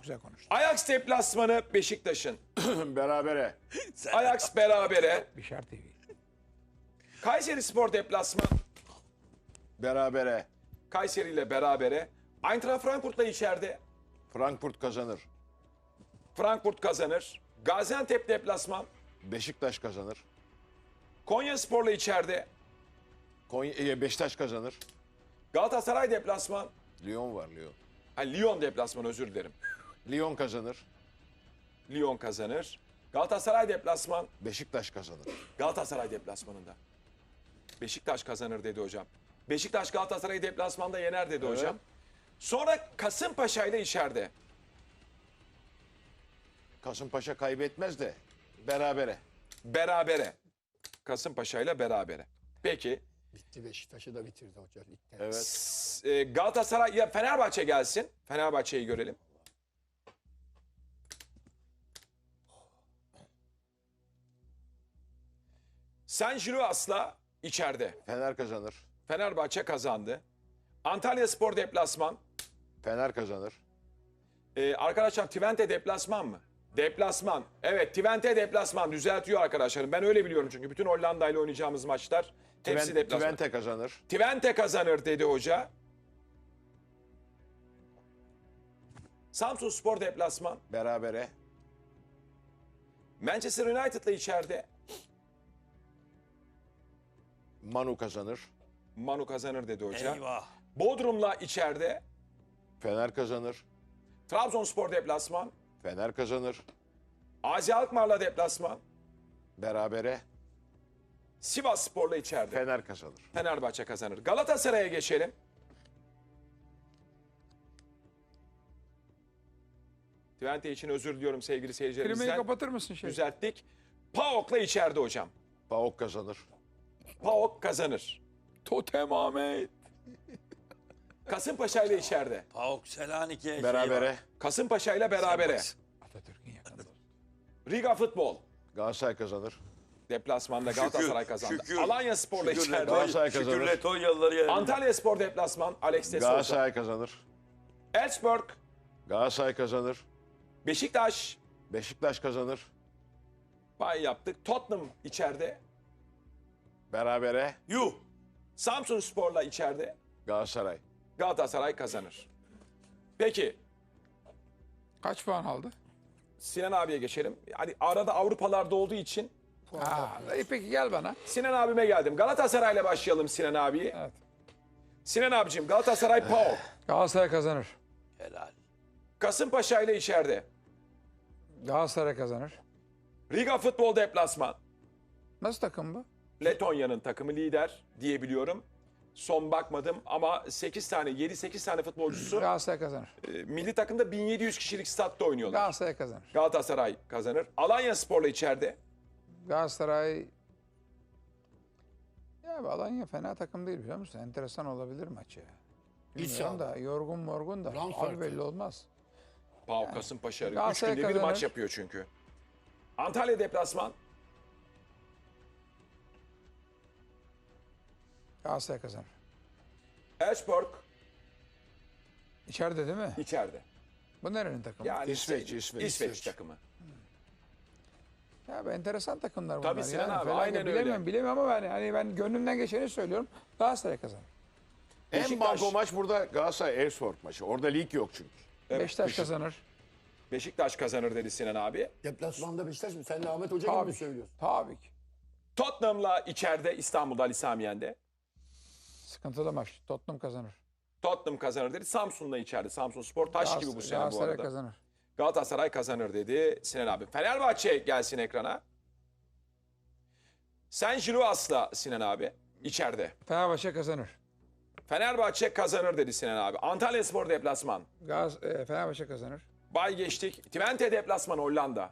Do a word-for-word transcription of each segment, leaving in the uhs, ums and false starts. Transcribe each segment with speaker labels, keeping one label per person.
Speaker 1: güzel konuştun.
Speaker 2: Ajax deplasmanı Beşiktaş'ın.
Speaker 3: Berabere.
Speaker 2: Ajax berabere.
Speaker 1: Bişar T V.
Speaker 2: Kayserispor deplasman.
Speaker 3: Berabere.
Speaker 2: Kayseri ile berabere. Eintracht Frankfurt'la içeride.
Speaker 3: Frankfurt kazanır.
Speaker 2: Frankfurt kazanır. Gaziantep deplasman.
Speaker 3: Beşiktaş kazanır.
Speaker 2: Konyaspor'la içeride.
Speaker 3: Konya, e, Beşiktaş kazanır.
Speaker 2: Galatasaray deplasman.
Speaker 3: Lyon var Lyon.
Speaker 2: Ha, Lyon deplasman, özür dilerim.
Speaker 3: Lyon kazanır.
Speaker 2: Lyon kazanır. Galatasaray deplasman.
Speaker 3: Beşiktaş kazanır.
Speaker 2: Galatasaray deplasmanında. Beşiktaş kazanır dedi hocam. Beşiktaş Galatasaray'ı deplasmanda yener dedi
Speaker 3: Evet.
Speaker 2: hocam. Sonra Kasımpaşa ile içeride.
Speaker 3: Kasımpaşa kaybetmez de berabere.
Speaker 2: Berabere. Kasımpaşa ile berabere. Peki.
Speaker 4: Bitti, Beşiktaş'ı da bitirdi hoca ligde.
Speaker 3: Evet.
Speaker 2: S- e, Galatasaray ya Fenerbahçe gelsin. Fenerbahçe'yi görelim. San Giroas'la içeride.
Speaker 3: Fener kazanır.
Speaker 2: Fenerbahçe kazandı. Antalyaspor deplasman.
Speaker 3: Fener kazanır.
Speaker 2: Ee, arkadaşlar Twente deplasman mı? Deplasman. Evet, Twente deplasman. Düzeltiyor arkadaşlarım. Ben öyle biliyorum çünkü bütün Hollanda ile oynayacağımız maçlar hepsi
Speaker 3: Twen-
Speaker 2: deplasman.
Speaker 3: Twente kazanır.
Speaker 2: Twente kazanır dedi hoca. Samsunspor deplasman.
Speaker 3: Berabere.
Speaker 2: Manchester United'la içeride.
Speaker 3: Manu kazanır.
Speaker 2: Manu kazanır dedi hoca.
Speaker 5: Eyvah.
Speaker 2: Bodrum'la içeride.
Speaker 3: Fener kazanır.
Speaker 2: Trabzonspor deplasman.
Speaker 3: Fener kazanır.
Speaker 2: Azi Alkmaar'la deplasman.
Speaker 3: Berabere.
Speaker 2: Sivasspor'la içeride.
Speaker 3: Fener kazanır.
Speaker 2: Fenerbahçe kazanır. Galatasaray'a geçelim. Twente için özür diliyorum sevgili
Speaker 1: Klimayı
Speaker 2: seyircilerimizden.
Speaker 1: kapatır mısın şey?
Speaker 2: Düzelttik. PAOK'la içeride hocam.
Speaker 3: PAOK kazanır.
Speaker 2: PAOK kazanır.
Speaker 1: Totem Ahmet.
Speaker 2: Kasımpaşa ile içeride.
Speaker 5: PAOK Selanik'e
Speaker 3: Berabere.
Speaker 5: şey var.
Speaker 2: Kasımpaşa ile berabere.
Speaker 1: Atatürk'ün yakın dostu.
Speaker 2: Riga Futbol.
Speaker 3: Galatasaray kazanır.
Speaker 2: Deplasmanda Galatasaray kazandı.
Speaker 5: şükür.
Speaker 2: Alanya Spor'la
Speaker 5: Şükür
Speaker 2: içeride.
Speaker 3: Galatasaray
Speaker 5: Letonya-
Speaker 3: kazanır.
Speaker 5: Şükür Letonyalıları yani.
Speaker 2: Antalya Spor deplasman. Alex de Souza.
Speaker 3: Galatasaray kazanır.
Speaker 2: Elfsborg.
Speaker 3: Galatasaray kazanır.
Speaker 2: Beşiktaş.
Speaker 3: Beşiktaş kazanır.
Speaker 2: Pay yaptık. Tottenham içeride.
Speaker 3: Berabere.
Speaker 2: Yuh. Samsun Spor'la içeride.
Speaker 3: Galatasaray.
Speaker 2: Galatasaray kazanır. Peki
Speaker 1: Kaç puan aldı?
Speaker 2: Sinan abiye geçelim. Hani arada Avrupalarda olduğu için
Speaker 1: Ha, iyi peki gel bana.
Speaker 2: Sinan abime geldim. Galatasaray'la başlayalım Sinan abiyi.
Speaker 1: Evet.
Speaker 2: Sinan abicim Galatasaray PAOK.
Speaker 1: Galatasaray kazanır.
Speaker 5: Helal.
Speaker 2: Kasımpaşa ile içeride.
Speaker 1: Galatasaray kazanır.
Speaker 2: Riga Futbol deplasman.
Speaker 1: Nasıl takım bu?
Speaker 2: Letonya'nın takımı lider diyebiliyorum. Son bakmadım ama sekiz tane, yedi sekiz tane futbolcusu
Speaker 1: Galatasaray kazanır.
Speaker 2: e, milli takımda bin yedi yüz kişilik statta oynuyorlar.
Speaker 1: Galatasaray kazanır.
Speaker 2: Galatasaray kazanır. Alanya Spor'la içeride.
Speaker 1: Galatasaray... Ya bu Alanya fena takım değil biliyor musun? Enteresan olabilir maç ya. Bilmiyorum da yorgun morgun da.
Speaker 4: Ram
Speaker 1: Abi
Speaker 4: farkı.
Speaker 1: belli olmaz.
Speaker 2: PAOK Kasımpaşa. Üç
Speaker 1: Galatasaray
Speaker 2: günde bir
Speaker 1: kazanır.
Speaker 2: maç yapıyor çünkü. Antalya deplasman.
Speaker 1: Galatasaray kazanır.
Speaker 2: Elfsborg
Speaker 1: İçeride değil mi?
Speaker 2: içeride.
Speaker 1: Bu nerenin takımı?
Speaker 2: Yani
Speaker 3: İsveç,
Speaker 2: şey-
Speaker 3: İsveç.
Speaker 2: İsveç
Speaker 3: İsveç.
Speaker 2: takımı.
Speaker 1: Ya bu enteresan takımlar bunlar.
Speaker 2: Tabii Sinan
Speaker 1: yani.
Speaker 2: abi,
Speaker 1: Felaket
Speaker 2: aynen öyle.
Speaker 1: bilemiyorum, bilemiyorum ama ben, hani ben gönlümden geçeni söylüyorum. Galatasaray kazanır.
Speaker 3: En
Speaker 2: Beşiktaş-
Speaker 3: banko maç burada Galatasaray Elfsborg maçı. Orada lig yok çünkü.
Speaker 2: Evet,
Speaker 1: Beşiktaş
Speaker 3: Beşik-
Speaker 1: kazanır.
Speaker 2: Beşiktaş kazanır dedi Sinan abi.
Speaker 4: Deplasmanda Beşiktaş mı? Sen de Ahmet Hoca gibi
Speaker 1: Tabii
Speaker 4: mi
Speaker 1: ki.
Speaker 4: söylüyorsun?
Speaker 1: Tabii ki.
Speaker 2: Tottenham'la içeride İstanbul'da Ali Samiyen'de.
Speaker 1: Sıkıntılı maç. Tottenham kazanır.
Speaker 2: Tottenham kazanır dedi. Samsun'la içeride. Samsun Spor taş gibi bu sene bu
Speaker 1: Galatasaray
Speaker 2: arada.
Speaker 1: kazanır.
Speaker 2: Galatasaray kazanır dedi Sinan abi. Fenerbahçe gelsin ekrana. Sen Giroas'la Sinan abi içeride.
Speaker 1: Fenerbahçe kazanır.
Speaker 2: Fenerbahçe kazanır dedi Sinan abi. Antalyaspor deplasman.
Speaker 1: Gaz, e, Fenerbahçe kazanır.
Speaker 2: Bay geçtik. Twente deplasman Hollanda.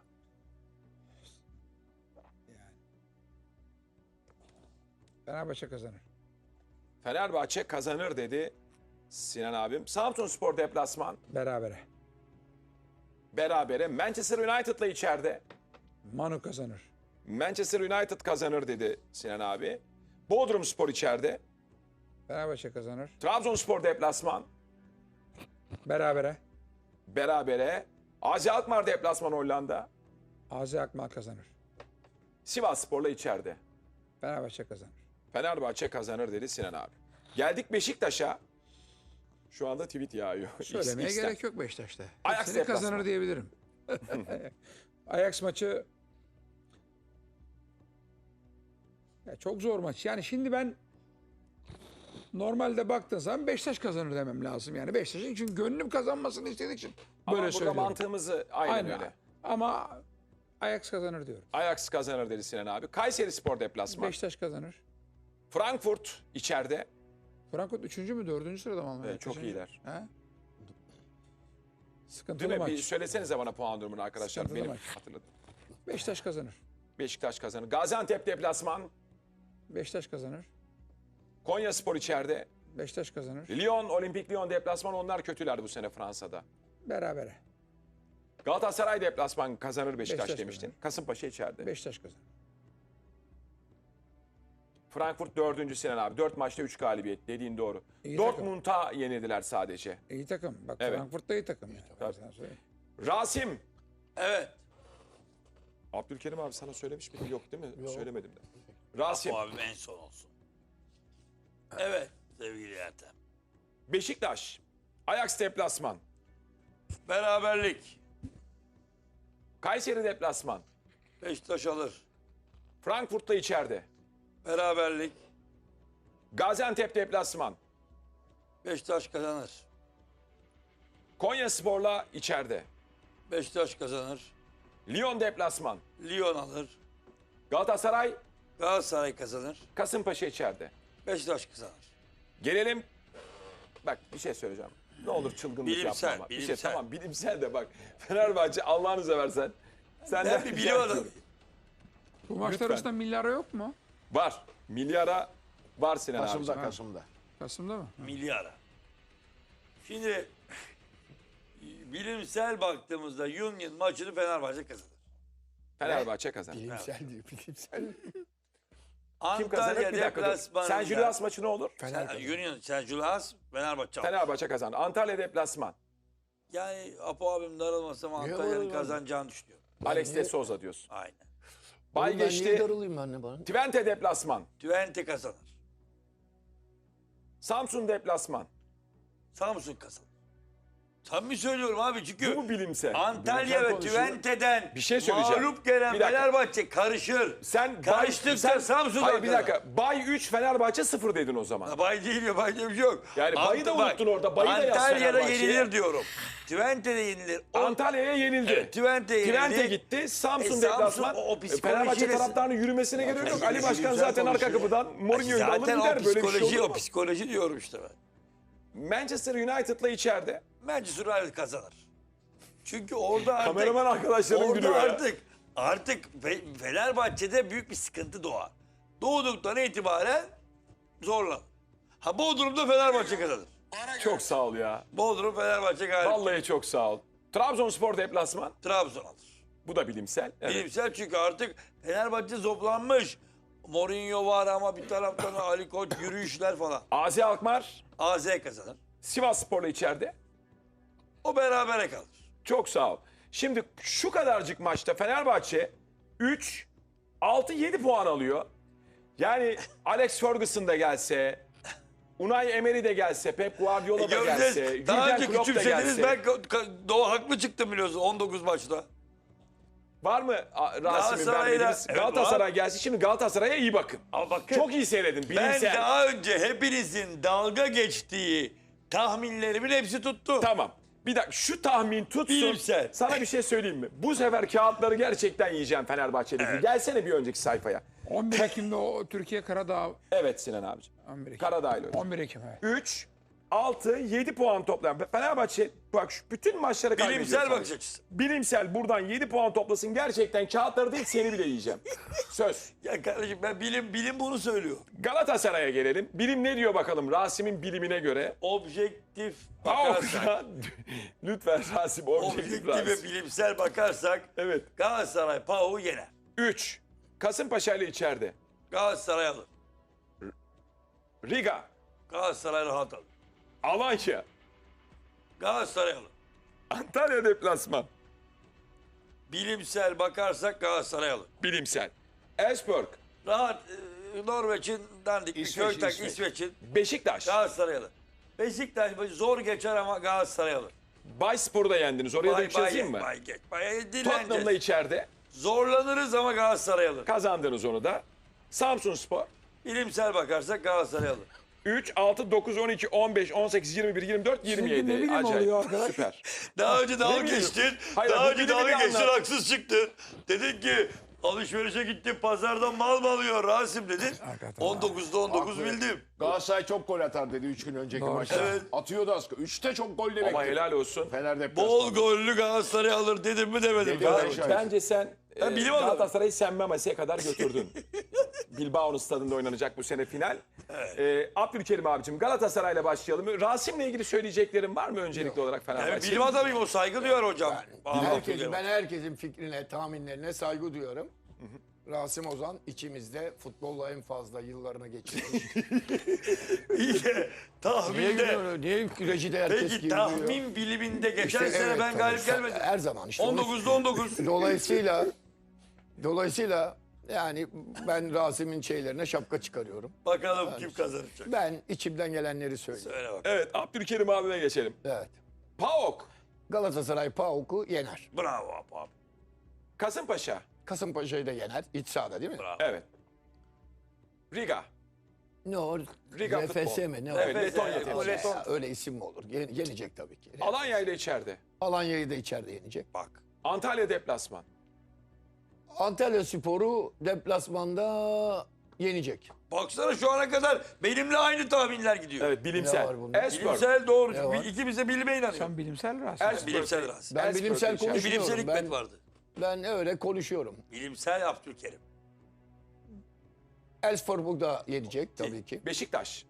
Speaker 1: Fenerbahçe kazanır.
Speaker 2: Fenerbahçe kazanır dedi Sinan abim. Samsunspor deplasman.
Speaker 1: Berabere.
Speaker 2: Berabere. Manchester United'la içeride.
Speaker 1: Manu kazanır.
Speaker 2: Manchester United kazanır dedi Sinan abi. Bodrumspor içeride.
Speaker 1: Fenerbahçe kazanır.
Speaker 2: Trabzonspor deplasman.
Speaker 1: Berabere.
Speaker 2: Berabere. Azi Alkmaar deplasman Hollanda.
Speaker 1: Azi Akmal kazanır.
Speaker 2: Sivasspor'la içeride.
Speaker 1: Fenerbahçe kazanır.
Speaker 2: Fenerbahçe kazanır dedi Sinan abi. Geldik Beşiktaş'a. Şu anda tweet yağıyor.
Speaker 1: Söylemeye
Speaker 2: X'ten.
Speaker 1: gerek yok Beşiktaş'ta.
Speaker 2: Ajax
Speaker 1: Hepsini
Speaker 2: deplasman.
Speaker 1: kazanır diyebilirim. Ajax maçı ya çok zor maç. Yani şimdi ben normalde baktığın zaman Beşiktaş kazanır demem lazım. Yani Beşiktaş'ın çünkü gönlüm kazanmasını istediği için
Speaker 2: Ama
Speaker 1: böyle
Speaker 2: burada
Speaker 1: söylüyorum.
Speaker 2: mantığımızı aynen,
Speaker 1: Aynen.
Speaker 2: öyle.
Speaker 1: Ama Ajax kazanır diyorum.
Speaker 2: Ajax kazanır dedi Sinan abi. Kayseri Spor deplasman.
Speaker 1: Beşiktaş kazanır.
Speaker 2: Frankfurt içeride.
Speaker 1: Frankfurt üçüncü mü dördüncü sırada mı Almanya?
Speaker 2: Evet, çok
Speaker 1: Kaçıncı?
Speaker 2: iyiler.
Speaker 1: He?
Speaker 2: Değil
Speaker 1: Sıkıntılı
Speaker 2: mi?
Speaker 1: maç.
Speaker 2: Bir söylesenize bana puan durumunu arkadaşlar.
Speaker 1: Sıkıntılı
Speaker 2: Benim
Speaker 1: maç.
Speaker 2: hatırladım.
Speaker 1: Beşiktaş kazanır.
Speaker 2: Beşiktaş kazanır. Gaziantep deplasman.
Speaker 1: Beşiktaş kazanır.
Speaker 2: Konya Spor içeride.
Speaker 1: Beşiktaş kazanır.
Speaker 2: Lyon, Olimpik Lyon deplasman. Onlar kötüler bu sene Fransa'da.
Speaker 1: Berabere.
Speaker 2: Galatasaray deplasman kazanır Beşiktaş,
Speaker 1: Beşiktaş
Speaker 2: demiştin.
Speaker 1: kazanır.
Speaker 2: Kasımpaşa içeride.
Speaker 1: Beşiktaş kazanır.
Speaker 2: Frankfurt dördüncü Sinan abi. Dört maçta üç galibiyet. Dediğin doğru.
Speaker 1: İyi
Speaker 2: Dortmund'a yenildiler sadece.
Speaker 1: İyi takım. Bak
Speaker 2: Evet.
Speaker 1: Frankfurt da iyi takım. Yani. Ben
Speaker 2: Tabii.
Speaker 1: sana söyleyeyim.
Speaker 2: Rasim.
Speaker 5: Evet.
Speaker 2: Abdülkerim abi sana söylemiş miydim? Yok değil mi?
Speaker 4: Yok.
Speaker 2: Söylemedim de. Rasim.
Speaker 5: Bu abim en son olsun. Evet sevgili Ertem.
Speaker 2: Beşiktaş. Ajax deplasman.
Speaker 5: Beraberlik.
Speaker 2: Kayseri deplasman.
Speaker 5: Beşiktaş alır.
Speaker 2: Frankfurt'ta içeride.
Speaker 5: Beraberlik.
Speaker 2: Gaziantep deplasman.
Speaker 5: Beşiktaş kazanır.
Speaker 2: Konya Spor'la içeride.
Speaker 5: Beşiktaş kazanır.
Speaker 2: Lyon deplasman.
Speaker 5: Lyon alır.
Speaker 2: Galatasaray,
Speaker 5: Galatasaray kazanır.
Speaker 2: Kasımpaşa içeride.
Speaker 5: Beşiktaş kazanır.
Speaker 2: Gelelim. Bak bir şey söyleyeceğim. Ne olur çılgınlık
Speaker 5: Bilimsel,
Speaker 2: yapma ama. Bir şey
Speaker 5: bilimsel.
Speaker 2: tamam bilimsel de bak. Fenerbahçe Allah'ını seversen. Sen
Speaker 5: Ben bir bilim adamıyım.
Speaker 1: Bu maçlar
Speaker 2: Lütfen.
Speaker 1: arasında milyara yok mu?
Speaker 2: Var. Milyara var Sinan abi.
Speaker 3: Kasım'da Kasım'da.
Speaker 1: Kasım'da mı?
Speaker 5: Milyara. Şimdi bilimsel baktığımızda Union maçını Fenerbahçe kazanır.
Speaker 2: Fenerbahçe kazanır.
Speaker 4: Bilimsel diyor, bilimsel.
Speaker 2: Kim kazanır?
Speaker 5: Antalya
Speaker 2: Bir dakika dur.
Speaker 5: deplasmanında.
Speaker 2: Sen Julius maçı ne olur?
Speaker 4: Fener
Speaker 5: Sen- Union, sen Julius, Fenerbahçe alır.
Speaker 2: Fenerbahçe kazanır. Antalya deplasman.
Speaker 5: Yani Apo abim darılmasam Antalya'nın
Speaker 4: var?
Speaker 5: kazanacağını düşünüyorum.
Speaker 2: Alex de
Speaker 4: niye-
Speaker 2: Souza diyorsun.
Speaker 5: Aynen.
Speaker 2: Bay
Speaker 4: Oğlum ben
Speaker 2: geçti.
Speaker 4: niye darılayım ben de bana?
Speaker 2: Twente deplasman.
Speaker 5: Twente kazanır.
Speaker 2: Samsun deplasman.
Speaker 5: Samsun kazanır. Samimi söylüyorum abi
Speaker 2: Bu
Speaker 5: çünkü
Speaker 2: mu bilimsel?
Speaker 5: Antalya
Speaker 2: Bilimsel
Speaker 5: ve
Speaker 2: konuşuyor.
Speaker 5: Twente'den
Speaker 2: Bir şey söyleyeceğim.
Speaker 5: mağlup gelen
Speaker 2: Bir dakika.
Speaker 5: Fenerbahçe karışır.
Speaker 2: Sen
Speaker 5: Karıştıkça
Speaker 2: sen-
Speaker 5: Samsun'dan
Speaker 2: Hayır bir
Speaker 5: kazanır.
Speaker 2: dakika. Bay üç Fenerbahçe sıfır dedin o zaman.
Speaker 5: Ya Bay değil ya bay diye bir şey yok.
Speaker 2: Yani bayı da
Speaker 5: Ant- bak,
Speaker 2: unuttun orada, bayı da yaz
Speaker 5: Antalya'da
Speaker 2: Fenerbahçe'ye.
Speaker 5: yenilir diyorum. Twente'de yenilir. O-
Speaker 2: Antalya'ya yenildi.
Speaker 5: Evet, Twente yenildi.
Speaker 2: Twente gitti. Samsun
Speaker 5: E, Samsun
Speaker 2: deplasman.
Speaker 5: o- o
Speaker 2: E,
Speaker 5: psikolojiyle-
Speaker 2: Fenerbahçe taraftarının yürümesine gerek yok. Ali Başkan
Speaker 5: Güzel
Speaker 2: zaten arka
Speaker 5: konuşuyor.
Speaker 2: kapıdan Mourinho'yu da alır
Speaker 5: Zaten
Speaker 2: gider.
Speaker 5: o
Speaker 2: Böyle bir şey
Speaker 5: psikoloji,
Speaker 2: olur
Speaker 5: o
Speaker 2: mu?
Speaker 5: psikoloji diyorum işte ben.
Speaker 2: Manchester United'la içeride.
Speaker 5: Manchester United kazanır. Çünkü orada artık
Speaker 2: Kameraman arkadaşlarım
Speaker 5: orada
Speaker 2: gülüyor ya.
Speaker 5: artık artık Fe- Fenerbahçe'de büyük bir sıkıntı doğar. Doğduktan itibaren zorlan. Ha Bodrum'da Fenerbahçe kazanır.
Speaker 2: Çok sağ ol ya.
Speaker 5: Bodrum Fenerbahçe galip.
Speaker 2: Vallahi çok sağ ol. Trabzonspor deplasman.
Speaker 5: Trabzon alır.
Speaker 2: Bu da bilimsel. Evet.
Speaker 5: Bilimsel çünkü artık Fenerbahçe zoplanmış. Mourinho var ama bir taraftan Ali Koç yürüyüşler falan.
Speaker 2: Azi Alkmaar.
Speaker 5: A Z kazanır.
Speaker 2: Sivasspor'la içeride.
Speaker 5: O berabere kalır.
Speaker 2: Çok sağ ol. Şimdi şu kadarcık maçta Fenerbahçe üç, altı, yedi puan alıyor. Yani Alex Ferguson da gelse, Unai Emery de gelse, Pep Guardiola da gelse,
Speaker 5: Göreceğiz. Daha
Speaker 2: Jürgen
Speaker 5: önce
Speaker 2: Klopp da
Speaker 5: küçümsediniz.
Speaker 2: gelse.
Speaker 5: Ben ka- ka- Doğu haklı çıktım biliyorsun on dokuz maçta.
Speaker 2: Var mı a, Rasim'in
Speaker 5: Galatasaray'la-
Speaker 2: vermediğiniz?
Speaker 5: Evet,
Speaker 2: Galatasaray
Speaker 5: var.
Speaker 2: gelsin. Şimdi Galatasaray'a iyi bakın.
Speaker 5: Ama bakın
Speaker 2: Çok iyi seyredin.
Speaker 5: ben
Speaker 2: Bilimsel.
Speaker 5: daha önce hepinizin dalga geçtiği tahminlerimin hepsi tuttu.
Speaker 2: Tamam. Bir dakika şu tahmin tutsun.
Speaker 5: Bilimsel.
Speaker 2: Sana bir şey söyleyeyim mi? Bu sefer kağıtları gerçekten yiyeceğim Fenerbahçe'deki. Gelsene bir önceki sayfaya.
Speaker 1: on bir Ekim'de o Türkiye Karadağ.
Speaker 2: Evet Sinan abiciğim.
Speaker 1: on bir Ekim.
Speaker 2: Karadağ'yla oynadı.
Speaker 1: on bir Ekim evet.
Speaker 2: üç, altı, yedi puan toplayan Fenerbahçe bak şu bütün maçları kaybediyor.
Speaker 5: Bilimsel
Speaker 2: sadece.
Speaker 5: bakış açısı.
Speaker 2: Bilimsel buradan yedi puan toplasın gerçekten kağıtları değil seni bile yiyeceğim. Söz.
Speaker 5: Ya kardeşim ben bilim bilim bunu söylüyor.
Speaker 2: Galatasaray'a gelelim. Bilim ne diyor bakalım Rasim'in bilimine göre.
Speaker 5: Objektif
Speaker 2: Ha,
Speaker 5: bakarsak,
Speaker 2: lütfen Rasim objektif
Speaker 5: objektif
Speaker 2: Rasim.
Speaker 5: ve bilimsel bakarsak
Speaker 2: Evet.
Speaker 5: Galatasaray P A O'yu yener.
Speaker 2: üç. Kasımpaşa ile içeride.
Speaker 5: Galatasaray alır.
Speaker 2: Riga.
Speaker 5: Galatasaray rahat alır.
Speaker 2: Alanya.
Speaker 5: Galatasaray alır.
Speaker 2: Antalya deplasman.
Speaker 5: Bilimsel bakarsak Galatasaray alır.
Speaker 2: Bilimsel. Elfsborg.
Speaker 5: Rahat e, Norveç'in dandik bir
Speaker 3: İsveç,
Speaker 5: köy tak
Speaker 3: İsveç.
Speaker 5: İsveç'in
Speaker 2: Beşiktaş.
Speaker 5: Galatasaray alır. Beşiktaş zor geçer ama Galatasaray alır.
Speaker 2: Bayspor'u da yendiniz. Oraya da
Speaker 5: Bay,
Speaker 2: üç yazayım
Speaker 5: bay,
Speaker 2: mı?
Speaker 5: bay, geç. Bay,
Speaker 2: Tottenham'la
Speaker 5: dileneceğiz.
Speaker 2: içeride.
Speaker 5: Zorlanırız ama Galatasaray alır.
Speaker 2: Kazandınız onu da. Samsunspor.
Speaker 5: Bilimsel bakarsak Galatasaray alır.
Speaker 2: üç, altı, dokuz, on iki, on beş, on sekiz, yirmi bir, yirmi dört, yirmi yedi.
Speaker 1: ne bilim
Speaker 2: Acayip.
Speaker 1: oluyor arkadaş?
Speaker 2: Süper.
Speaker 5: Daha önce dalga
Speaker 2: bileyim.
Speaker 5: geçtin.
Speaker 2: Hayır,
Speaker 5: Daha
Speaker 2: bu
Speaker 5: önce
Speaker 2: bilimi
Speaker 5: dalga
Speaker 2: bir
Speaker 5: geçtin,
Speaker 2: anlat.
Speaker 5: haksız çıktın. Dedin ki alışverişe gittim pazardan mal mı alıyor Rasim dedin.
Speaker 1: Hakikaten
Speaker 5: on dokuzda on dokuz
Speaker 3: Haklı.
Speaker 5: bildim.
Speaker 3: Galatasaray çok gol atar dedi üç gün önceki
Speaker 1: Doğru.
Speaker 3: maçta.
Speaker 5: Evet.
Speaker 3: Atıyordu az. Üçte çok gol demek.
Speaker 2: Ama helal olsun.
Speaker 3: Fener deplasmanı.
Speaker 5: Bol gollü Galatasaray alır dedim mi demedim.
Speaker 3: Dedi,
Speaker 5: Fenerbahçe.
Speaker 3: dedi. Şahit.
Speaker 2: Bence sen
Speaker 5: Ben
Speaker 2: e,
Speaker 5: bilim adamı.
Speaker 2: Galatasaray'ı sen Mamasi'ye kadar götürdün. Bilbao'nun stadında oynanacak bu sene final. E, Abdülkerim abicim Galatasaray'la başlayalım. Rasim'le ilgili söyleyeceklerin var mı öncelikli olarak
Speaker 5: Ben
Speaker 2: Fenerbahçe?
Speaker 5: bilim adamıyım, o saygı duyar hocam. Ahmet
Speaker 4: Herkes,
Speaker 5: Hocam.
Speaker 4: ben herkesin fikrine, tahminlerine saygı duyuyorum. Rasim Ozan içimizde futbolla en fazla yıllarını geçirmiş.
Speaker 5: İyi de
Speaker 4: Niye
Speaker 5: tahminde.
Speaker 4: gülüyor? Niye rejide herkes
Speaker 5: Peki
Speaker 4: gülüyor?
Speaker 5: tahmin biliminde geçen
Speaker 4: İşte
Speaker 5: sene
Speaker 4: evet,
Speaker 5: ben
Speaker 4: tabii.
Speaker 5: galip gelmedim.
Speaker 4: Her zaman işte.
Speaker 5: on
Speaker 4: onu-
Speaker 5: dokuzda on dokuz.
Speaker 4: Dolayısıyla dolayısıyla yani ben Rasim'in şeylerine şapka çıkarıyorum.
Speaker 5: Bakalım kim kazanacak.
Speaker 4: Ben içimden gelenleri söylüyorum.
Speaker 5: Söyle bak.
Speaker 2: Evet Abdülkerim abime geçelim.
Speaker 4: Evet.
Speaker 2: PAOK,
Speaker 4: Galatasaray PAOK'u yener.
Speaker 5: Bravo abi. abi.
Speaker 2: Kasımpaşa.
Speaker 4: Kasımpaşa'yı da yener. İç sahada değil mi?
Speaker 5: Bravo.
Speaker 2: Evet. Riga.
Speaker 4: Ne o?
Speaker 2: Riga
Speaker 4: R F S
Speaker 2: futbol.
Speaker 4: mi? Ne o?
Speaker 2: Evet,
Speaker 5: Nefes
Speaker 2: Letonya
Speaker 5: yani,
Speaker 2: temsil.
Speaker 5: o Leton.
Speaker 4: Ya, öyle isim mi olur? Ye- Yenecek tabii ki.
Speaker 2: Alanya ile içeride.
Speaker 4: Alanya'yı da içeride yenecek.
Speaker 5: Bak.
Speaker 2: Antalya deplasman.
Speaker 4: Antalya Sporu deplasmanda yenecek.
Speaker 5: Baksana şu ana kadar benimle aynı tahminler gidiyor.
Speaker 2: Evet
Speaker 4: Ne
Speaker 2: bilimsel.
Speaker 4: var bunda?
Speaker 2: Elfsborg.
Speaker 5: Bilimsel doğru.
Speaker 4: Ne var?
Speaker 5: İkimiz de bilime inanıyoruz.
Speaker 1: Sen bilimsel Rasim.
Speaker 2: Elfsborg.
Speaker 5: Bilimsel Rasim.
Speaker 4: Ben
Speaker 2: Elfsborg
Speaker 4: bilimsel
Speaker 2: içeride.
Speaker 4: konuşuyorum.
Speaker 5: Bilimsel hikmet
Speaker 4: Ben,
Speaker 5: vardı.
Speaker 4: ben öyle konuşuyorum.
Speaker 5: Bilimsel Abdülkerim.
Speaker 4: Elfsborg da yenecek tabii ki.
Speaker 2: Beşiktaş.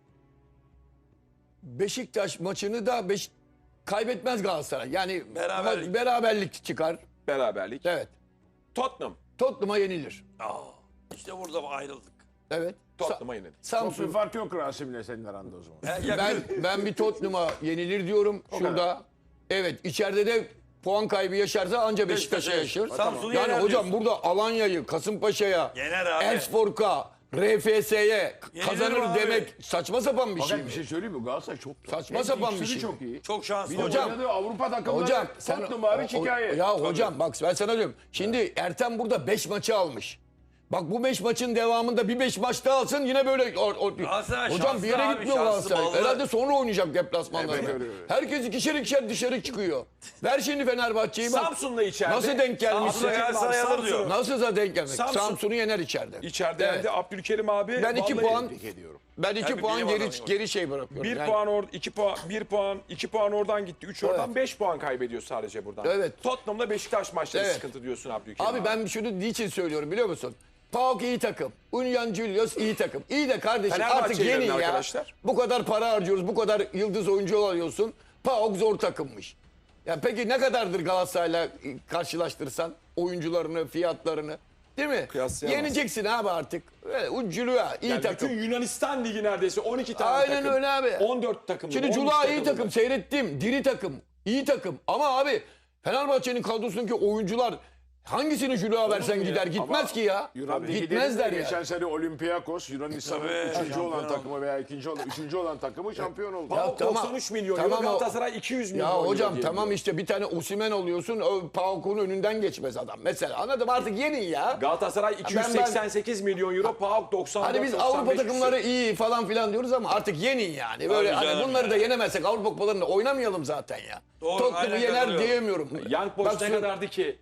Speaker 4: Beşiktaş maçını da beş... kaybetmez Galatasaray. Yani
Speaker 5: Beraberlik.
Speaker 4: ma- beraberlik çıkar.
Speaker 2: Beraberlik.
Speaker 4: Evet.
Speaker 2: Tottenham.
Speaker 4: Tottenham'a yenilir.
Speaker 5: Aa, işte burada ayrıldık.
Speaker 4: Evet.
Speaker 2: Tottenham'a yenildi.
Speaker 3: Çok bir
Speaker 4: Samsun.
Speaker 3: fark yok Rasim'le senin aranda o zaman.
Speaker 5: He, yakın.
Speaker 4: Ben ben bir Tottenham'a yenilir diyorum şurada. Evet, içeride de puan kaybı yaşarsa anca Beşiktaş'a
Speaker 5: Beşiktaş'a
Speaker 4: yaşar.
Speaker 5: Samsun'u
Speaker 4: Yani
Speaker 5: yener
Speaker 4: hocam
Speaker 5: diyorsun.
Speaker 4: burada Alanya'yı, Kasımpaşa'ya,
Speaker 5: Yener abi.
Speaker 4: Elfsborg'a, R F S'ye
Speaker 5: Yenilir
Speaker 4: kazanır
Speaker 5: abi.
Speaker 4: demek saçma sapan bir şey
Speaker 3: Fakat
Speaker 4: mi?
Speaker 3: bir şey söyleyeyim mi? Galatasaray çok
Speaker 4: Saçma
Speaker 3: Hem
Speaker 4: sapan bir
Speaker 3: fikstürü
Speaker 4: şey.
Speaker 3: çok iyi.
Speaker 5: Çok şanslı.
Speaker 3: Bir de
Speaker 4: Hocam-
Speaker 3: oynadığı Avrupa takımları
Speaker 4: Hocam sen
Speaker 3: Tottenham hariç
Speaker 4: o-
Speaker 3: hikaye.
Speaker 4: ya hocam bak ben sana diyorum. Şimdi Ertem burada beş maçı almış. Bak bu beş maçın devamında bir beş maç daha alsın yine böyle o, o-
Speaker 5: Galatasaray
Speaker 4: hocam
Speaker 5: şanslı
Speaker 4: bir yere
Speaker 5: abi,
Speaker 4: gitmiyor
Speaker 5: şanslı,
Speaker 4: Galatasaray.
Speaker 5: ballı.
Speaker 4: Herhalde sonra oynayacak deplasmanlarda.
Speaker 3: Evet, öyle, öyle.
Speaker 4: Herkes ikişer ikişer dışarı çıkıyor. Ver şimdi Fenerbahçe'yi bak.
Speaker 2: Samsun'la içeride.
Speaker 4: Nasıl denk gelmişsin?
Speaker 5: Samsun'la Galatasaray alır diyor.
Speaker 4: Nasıl da denk gelmek?
Speaker 2: Samsun-
Speaker 4: Samsun'u yener içeride.
Speaker 2: İçeride
Speaker 4: Evet.
Speaker 2: yendi. Abdülkerim abi.
Speaker 4: Ben iki
Speaker 2: vallahi
Speaker 4: puan
Speaker 3: Tebrik ediyorum.
Speaker 4: ben iki
Speaker 5: bir
Speaker 4: puan
Speaker 5: bilim
Speaker 4: geri
Speaker 5: adamıyım.
Speaker 4: geri şey bırakıyorum.
Speaker 2: Bir
Speaker 4: Yani-
Speaker 2: puan or iki puan bir puan iki puan oradan gitti. Üç oradan
Speaker 4: Evet.
Speaker 2: beş puan kaybediyor sadece buradan.
Speaker 4: Evet.
Speaker 2: Tottenham'la Beşiktaş maçları
Speaker 4: Evet.
Speaker 2: sıkıntı diyorsun Abdülkerim abi.
Speaker 4: Abi ben şunu niçin söylüyorum biliyor musun? PAOK iyi takım. Union Julius iyi takım. İyi de kardeşim
Speaker 2: Fenerbahçe
Speaker 4: artık yenin
Speaker 2: yerine
Speaker 4: ya.
Speaker 2: arkadaşlar.
Speaker 4: Bu kadar para harcıyoruz, bu kadar yıldız oyuncu alıyorsun. PAOK zor takımmış. Ya peki ne kadardır Galatasaray'la karşılaştırsan oyuncularını, fiyatlarını? Değil mi?
Speaker 2: Kıyaslayamazsın.
Speaker 4: Yeneceksin abi artık. Öyle uculuğa iyi
Speaker 2: Yani
Speaker 4: takım.
Speaker 2: bütün Yunanistan ligi neredeyse on iki tane
Speaker 4: Aynen
Speaker 2: takım.
Speaker 4: öyle abi.
Speaker 2: on dört takım.
Speaker 4: Şimdi Cula iyi takım seyrettim. Diri takım. iyi takım. Ama abi Fenerbahçe'nin kadrosundaki oyuncular hangisini Juluğa versen
Speaker 2: mu ya?
Speaker 4: gider. Gitmez
Speaker 3: Ama
Speaker 4: ki ya.
Speaker 3: Yunan Ligi
Speaker 4: Gitmezler
Speaker 3: dedin de
Speaker 4: ya.
Speaker 3: Geçen sene Olympiakos Yunanistan'ın
Speaker 5: Tabii.
Speaker 3: üçüncü olan
Speaker 5: Şampiyon
Speaker 3: takımı veya ikinci olan, üçüncü olan takımı şampiyon oldu.
Speaker 2: PAOK
Speaker 4: tamam.
Speaker 2: doksan üç milyon
Speaker 4: Tamam
Speaker 2: euro,
Speaker 4: o-
Speaker 2: Galatasaray iki yüz milyon
Speaker 4: Ya
Speaker 2: euro
Speaker 4: hocam
Speaker 2: diye
Speaker 4: tamam
Speaker 2: biliyorum.
Speaker 4: işte bir tane Osimhen oluyorsun. O PAOK'un önünden geçmez adam. Mesela anladım artık yenin ya.
Speaker 2: Galatasaray iki yüz seksen sekiz milyon euro, PAOK doksan dört
Speaker 4: Hani biz
Speaker 2: doksan beş
Speaker 4: Avrupa takımları
Speaker 2: küsur.
Speaker 4: iyi falan filan diyoruz ama artık yenin yani. Böyle
Speaker 5: Tabii
Speaker 4: hani
Speaker 5: canım
Speaker 4: bunları
Speaker 5: ya.
Speaker 4: da yenemezsek Avrupa kupalarında oynamayalım zaten ya.
Speaker 5: Doğru,
Speaker 4: Tottenham'ı
Speaker 5: aynen
Speaker 4: yener
Speaker 5: katılıyorum.
Speaker 4: diyemiyorum.
Speaker 2: Young Boys
Speaker 4: Bak
Speaker 2: ne
Speaker 4: şu-
Speaker 2: kadardı ki?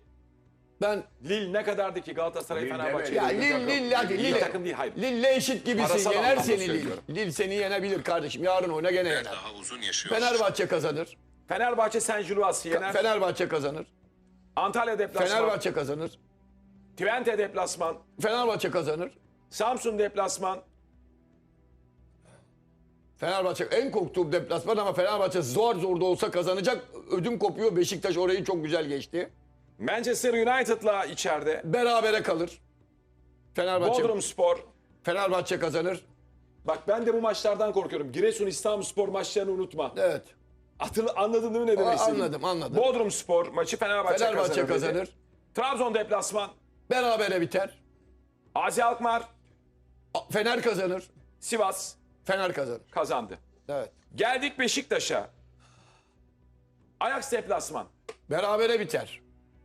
Speaker 4: Ben
Speaker 2: Lille ne kadardı ki Galatasaray
Speaker 3: Lille
Speaker 2: Fenerbahçe?
Speaker 3: evet.
Speaker 4: ya
Speaker 3: İyi
Speaker 4: Lille
Speaker 3: takım.
Speaker 4: Lille hadi
Speaker 2: İyi
Speaker 4: Lille.
Speaker 2: takım değil, hayır.
Speaker 4: Lille eşit gibisin.
Speaker 2: Parasal
Speaker 4: Yener
Speaker 2: anlamda
Speaker 4: seni Lille.
Speaker 2: söylüyorum.
Speaker 4: Lille seni yenebilir kardeşim. Yarın oyna gene yener.
Speaker 6: Daha uzun yaşıyoruz.
Speaker 4: Fenerbahçe kazanır.
Speaker 2: Fenerbahçe Saint Gillois'ı yener.
Speaker 4: Fenerbahçe kazanır.
Speaker 2: Antalya deplasman.
Speaker 4: Fenerbahçe kazanır.
Speaker 2: Twente deplasman.
Speaker 4: Fenerbahçe kazanır.
Speaker 2: Samsun deplasman.
Speaker 4: Fenerbahçe en korktuğum deplasman ama Fenerbahçe zor zor da olsa kazanacak. Ödüm kopuyor. Beşiktaş orayı çok güzel geçti.
Speaker 2: Manchester United'la içeride.
Speaker 4: Berabere kalır. Fenerbahçe
Speaker 2: Bodrumspor.
Speaker 4: Fenerbahçe kazanır.
Speaker 2: Bak ben de bu maçlardan korkuyorum. Giresun İstanbulspor maçlarını unutma.
Speaker 4: Evet.
Speaker 2: Hatırla, anladın değil mi ne demek
Speaker 4: Aa,
Speaker 2: istediğimi?
Speaker 4: anladım, anladım.
Speaker 2: Bodrumspor maçı Fenerbahçe,
Speaker 4: Fenerbahçe
Speaker 2: kazanır. dedi.
Speaker 4: kazanır.
Speaker 2: Trabzon deplasman.
Speaker 4: Berabere biter.
Speaker 2: Azi Alkmaar.
Speaker 4: A- Fener kazanır.
Speaker 2: Sivas
Speaker 4: Fener kazanır.
Speaker 2: kazandı.
Speaker 4: Evet.
Speaker 2: Geldik Beşiktaş'a. Ajax deplasman.
Speaker 4: Berabere biter.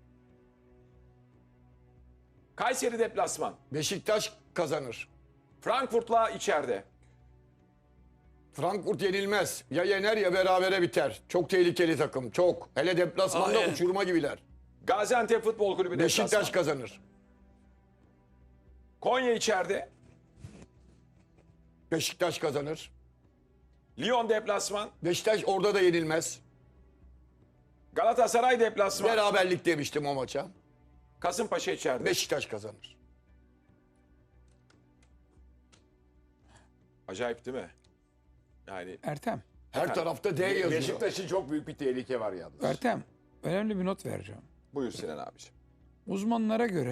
Speaker 2: Kayseri deplasman.
Speaker 4: Beşiktaş kazanır.
Speaker 2: Frankfurt'la içeride.
Speaker 4: Frankfurt yenilmez. Ya yener ya berabere biter. Çok tehlikeli takım. Çok. Hele deplasmanda
Speaker 5: Aynen.
Speaker 4: uçurma gibiler.
Speaker 2: Gaziantep Futbol Kulübü deplasman.
Speaker 4: Beşiktaş kazanır.
Speaker 2: Konya içeride.
Speaker 4: Beşiktaş kazanır.
Speaker 2: Lyon deplasman.
Speaker 4: Beşiktaş orada da yenilmez.
Speaker 2: Galatasaray deplasman.
Speaker 4: Beraberlik demiştim o maça.
Speaker 2: Kasımpaşa içeride.
Speaker 4: Beşiktaş kazanır.
Speaker 2: Acayip değil mi? Yani
Speaker 1: Ertem,
Speaker 4: Her tarafta D yazıyor.
Speaker 3: Beşiktaş'ın çok büyük bir tehlike var yalnız.
Speaker 1: Ertem önemli bir not vereceğim.
Speaker 2: buyur Sinan abiciğim.
Speaker 1: Uzmanlara göre